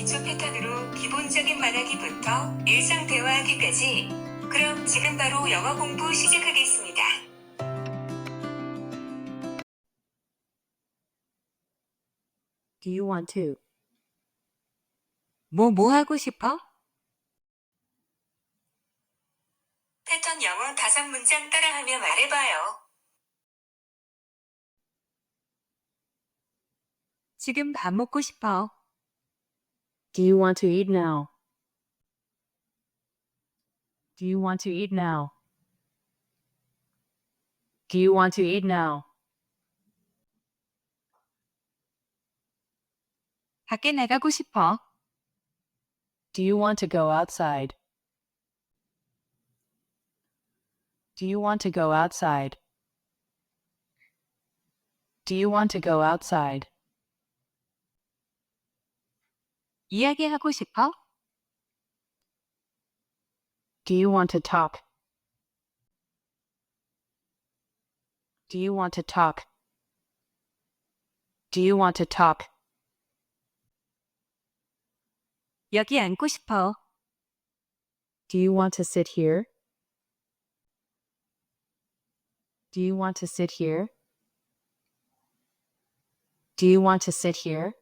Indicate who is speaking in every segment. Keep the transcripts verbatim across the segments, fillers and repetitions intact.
Speaker 1: 기초 패턴으로 기본적인 말하기부터 일상 대화하기까지. 그럼 지금 바로 영어 공부 시작하겠습니다.
Speaker 2: Do you want to?
Speaker 3: 뭐, 뭐 하고 싶어?
Speaker 1: 패턴 영어 다섯 문장 따라하며 말해봐요.
Speaker 3: 지금 밥 먹고 싶어.
Speaker 2: Do you want to eat now? Do you want to eat now? Do you want to eat now?
Speaker 3: 밖에 나가고 싶어.
Speaker 2: Do you want to go outside? Do you want to go outside? Do you want to go outside?
Speaker 3: 이야기하고 싶어?
Speaker 2: Do you want to talk? Do you want to talk? Do you want to talk?
Speaker 3: 여기 앉고 싶어.
Speaker 2: Do you want to sit here? Do you want to sit here? Do you want to sit here?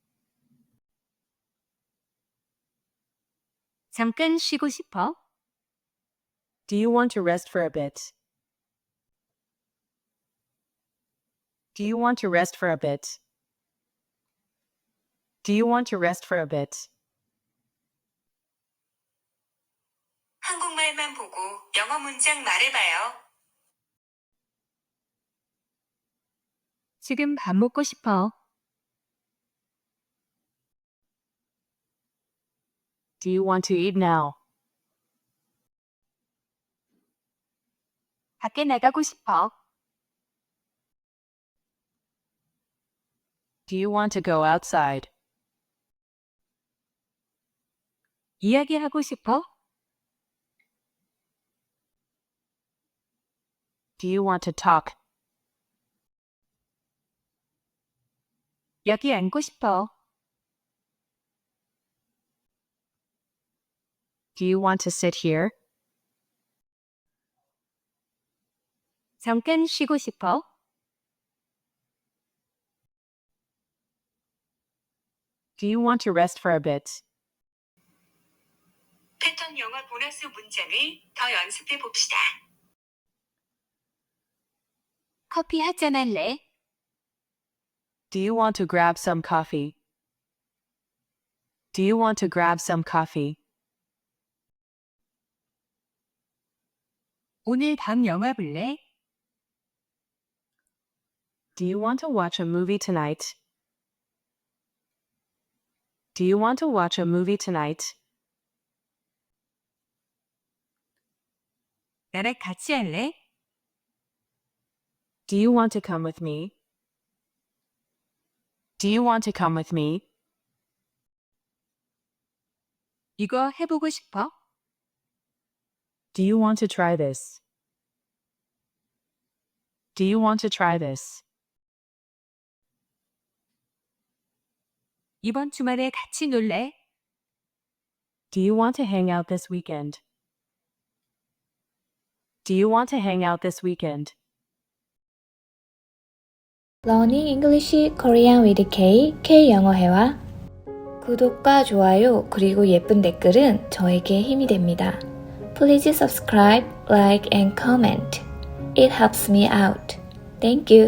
Speaker 3: 잠깐 쉬고 싶어?
Speaker 2: Do you want to rest for a bit? Do you want to rest for a bit? Do you want to rest for a bit?
Speaker 1: 한국말만 보고 영어 문장 말해봐요.
Speaker 3: 지금 밥 먹고 싶어.
Speaker 2: Do you want to eat now?
Speaker 3: 밖에 나가고 싶어.
Speaker 2: Do you want to go outside?
Speaker 3: 이야기하고 싶어?
Speaker 2: Do you want to talk?
Speaker 3: 여기 앉고 싶어.
Speaker 2: Do you want to sit here?
Speaker 3: 잠깐 쉬고 싶어.
Speaker 2: Do you want to rest for a bit?
Speaker 1: 패턴 영어 보너스 문장을 더 연습해 봅시다.
Speaker 3: 커피 한잔 할래?
Speaker 2: Do you want to grab some coffee? Do you want to grab some coffee?
Speaker 3: 오늘 밤 영화 볼래?
Speaker 2: Do you want to watch a movie tonight? Do you want to watch a movie tonight?
Speaker 3: 나랑 같이 할래?
Speaker 2: Do you want to come with me? Do you want to come with me?
Speaker 3: 이거 해보고 싶어?
Speaker 2: Do you want to try this? Do you want to try this?
Speaker 3: 이번 주말에 같이 놀래?
Speaker 2: Do you want to hang out this weekend? Do you want to hang out this weekend?
Speaker 4: Learning English Korean with K, K영어회화. 구독과 좋아요 그리고 예쁜 댓글은 저에게 힘이 됩니다. Please subscribe, like and comment. It helps me out. Thank you.